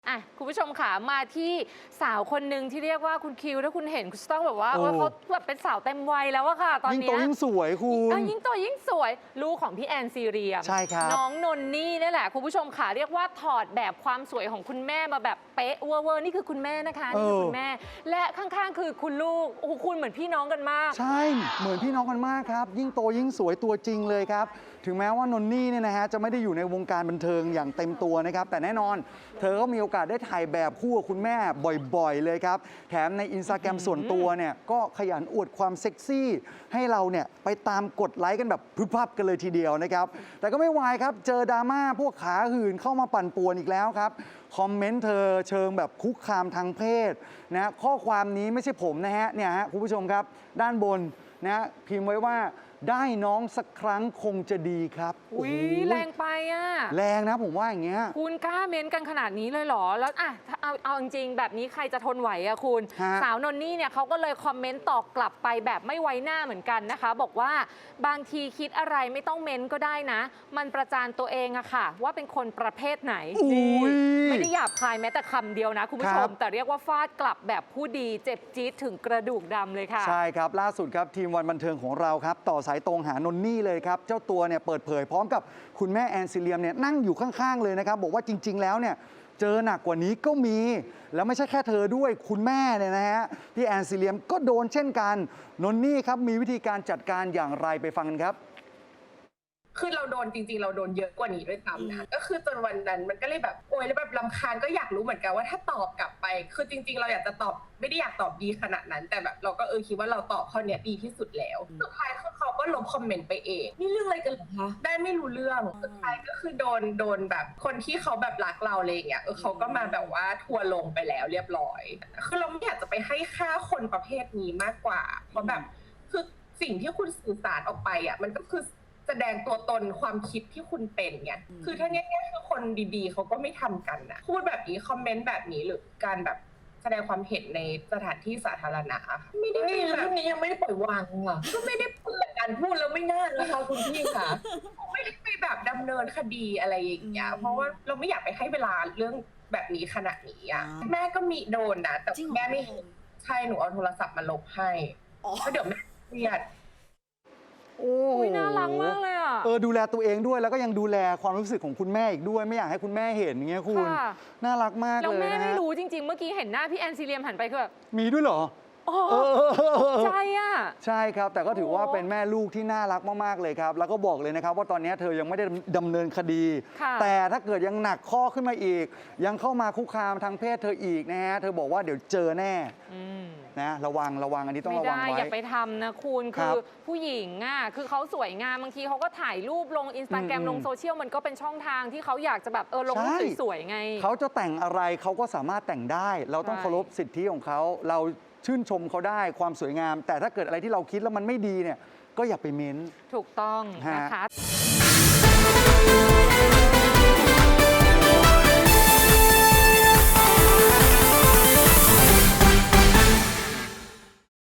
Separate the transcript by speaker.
Speaker 1: คุณผู้ชมค่ะมาที่สาวคนหนึ่งที่เรียกว่าคุณคิวถ้าคุณเห็นคุณจะต้องแบบว่าเขาแบบเป็นสาวเต็มวัยแล้วอะค่ะตอนนี้ยิ่งโต
Speaker 2: ยิ่งสวยคุณ
Speaker 1: ยิ่งโตยิ่งสวยลูกของพี่แอนซีเรียม
Speaker 2: ใช่ครับ
Speaker 1: น้องนนนี่นี่แหละคุณผู้ชมค่ะเรียกว่าถอดแบบความสวยของคุณแม่มาแบบเป๊ะเวอร์นี่คือคุณแม่นะคะนี่คือคุณแม่และข้างๆคือคุณลูกโอ้โหคุณเหมือนพี่น้องกันมาก
Speaker 2: ใช่เหมือนพี่น้องกันมากครับยิ่งโตยิ่งสวยตัวจริงเลยครับถึงแม้ว่านนนี่เนี่ยนะฮะจะไม่ได้อยู่ในวงการบันเทิงอย่างเต็มตัวนะครับแต่แน่นอนเธอก็มีโอกาสได้ถ่ายแบบคู่กับคุณแม่บ่อยๆเลยครับแถมใน Instagram ส่วนตัวเนี่ยก็ขยันอวดความเซ็กซี่ให้เราเนี่ยไปตามกดไลค์กันแบบพึบพับกันเลยทีเดียวนะครับแต่ก็ไม่วายครับเจอดราม่าพวกขาหื่นเข้ามาปั่นป่วนอีกแล้วครับคอมเมนต์เธอเชิงแบบคุกคามทางเพศนะข้อความนี้ไม่ใช่ผมนะฮะเนี่ยฮะคุณผู้ชมครับด้านบนนะพิมพ์ไว้ว่าได้น้องสักครั้งคงจะดีครับ
Speaker 1: อุ้ยแรงไปอ่ะ
Speaker 2: แรงนะผมว่าอย่างเงี้ย
Speaker 1: คุณกล้าเม้นกันขนาดนี้เลยเหรอแล้วเอาจริงๆแบบนี้ใครจะทนไหวอะคุณสาวนนนี่เนี่ยเขาก็เลยคอมเมนต์ตอบกลับไปแบบไม่ไว้หน้าเหมือนกันนะคะบอกว่าบางทีคิดอะไรไม่ต้องเม้นก็ได้นะมันประจานตัวเองอะค่ะว่าเป็นคนประเภทไหนไม่ได้หยาบคายแม้แต่คำเดียวนะคุณผู้ชมแต่เรียกว่าฟาดกลับแบบผู้ดีเจ็บจี๊ดถึงกระดูกดำเลยค่ะ
Speaker 2: ใช่ครับล่าสุดครับทีมวันบันเทิงของเราครับต่อสายตรงหานนนี่เลยครับเจ้าตัวเนี่ยเปิดเผยพร้อมกับคุณแม่แอนซิเลียมเนี่ยนั่งอยู่ข้างๆเลยนะครับบอกว่าจริงๆแล้วเนี่ยเจอหนักกว่านี้ก็มีแล้วไม่ใช่แค่เธอด้วยคุณแม่เนี่ยนะฮะพี่แอนซิเลียมก็โดนเช่นกันนนนี่ครับมีวิธีการจัดการอย่างไรไปฟังกันครับ
Speaker 3: คือเราโดนจริงๆเราโดนเยอะกว่านี้ด้วยซ้ำนะก็คือจนวันนั้นมันก็เลยแบบโอยแล้วแบบรำคาญก็อยากรู้เหมือนกันว่าถ้าตอบกลับไปคือจริงๆเราอยากจะตอบไม่ได้อยากตอบดีขนาดนั้นแต่แบบเราก็คิดว่าเราตอบข้อเนี้ยดีที่สุดแล้วสุดท้ายคือเขาก็ลบคอมเมนต์ไปเอง
Speaker 4: นี่เรื่องอะไรกันเหรอคะ
Speaker 3: ได้ไม่รู้เรื่องสุดท้ายก็คือโดนแบบคนที่เขาแบบรักเราอะไรอย่างเงี้ยเขาก็มาแบบว่าทัวร์ลงไปแล้วเรียบร้อยคือเราไม่อยากจะไปให้ค่าคนประเภทนี้มากกว่าเพราะแบบคือสิ่งที่คุณสื่อสารออกไปอ่ะมันก็คือแสดงตัวตนความคิดที่คุณเป็นไงคือถ้าเนี้ยคือคนดีๆเขาก็ไม่ทำกันนะพูดแบบนี้คอมเมนต์แบบนี้หรือการแบบแสดงความเห็นในสถานที่สาธารณะไม่ได้
Speaker 4: แบบนี้ยังไม่ได้ปล่อยวางอ่ะ
Speaker 3: ก็ไม่ได้เปิด
Speaker 4: การพูดแล้วไม่น่านะคะคุณพี่ค่ะ
Speaker 3: ไม่ได้ไปแบบดำเนินคดีอะไรอย่างเงี้ยเพราะว่าเราไม่อยากไปให้เวลาเรื่องแบบนี้ขนาดนี้อ่ะแม่ก็มีโดนนะแต่แม่ไม่ใช่หนูเอาโทรศัพท์มาลบให้เพราะเดี๋ยวแม่เครียด
Speaker 2: โอ้
Speaker 1: ยน่ารักมากเลยอ่ะ
Speaker 2: ดูแลตัวเองด้วยแล้วก็ยังดูแลความรู้สึกของคุณแม่อีกด้วยไม่อยากให้คุณแม่เห็นอย่างเงี้ยคุณน่ารักมากเลยนะแล้ว
Speaker 1: แม่ไม่รู้จริงๆเมื่อกี้เห็นหน้าพี่แอนซิเลียมหันไปคือแบบ
Speaker 2: มีด้วยเหรอ
Speaker 1: ใช่อ่ะ
Speaker 2: ใช่ครับแต่ก็ถือว่าเป็นแม่ลูกที่น่ารักมากๆเลยครับแล้วก็บอกเลยนะครับว่าตอนนี้เธอยังไม่ได้ดำเนินคดีแต่ถ้าเกิดยังหนักข้อขึ้นมาอีกยังเข้ามาคุกคามทางเพศเธออีกนะฮะเธอบอกว่าเดี๋ยวเจอแน่นะระวังอันนี้ต้องระวังไว้
Speaker 1: อย่าไปทำนะคุณคือผู้หญิงอ่ะคือเขาสวยงามบางทีเขาก็ถ่ายรูปลง Instagram ลงโซเชียลมันก็เป็นช่องทางที่เขาอยากจะแบบลงรูปสวยๆไง
Speaker 2: เขาจะแต่งอะไรเขาก็สามารถแต่งได้เราต้องเคารพสิทธิของเขาเราชื่นชมเขาได้ความสวยงามแต่ถ้าเกิดอะไรที่เราคิดแล้วมันไม่ดีเนี่ยก็อย่าไปเม้น
Speaker 1: ถูกต้องนะคะ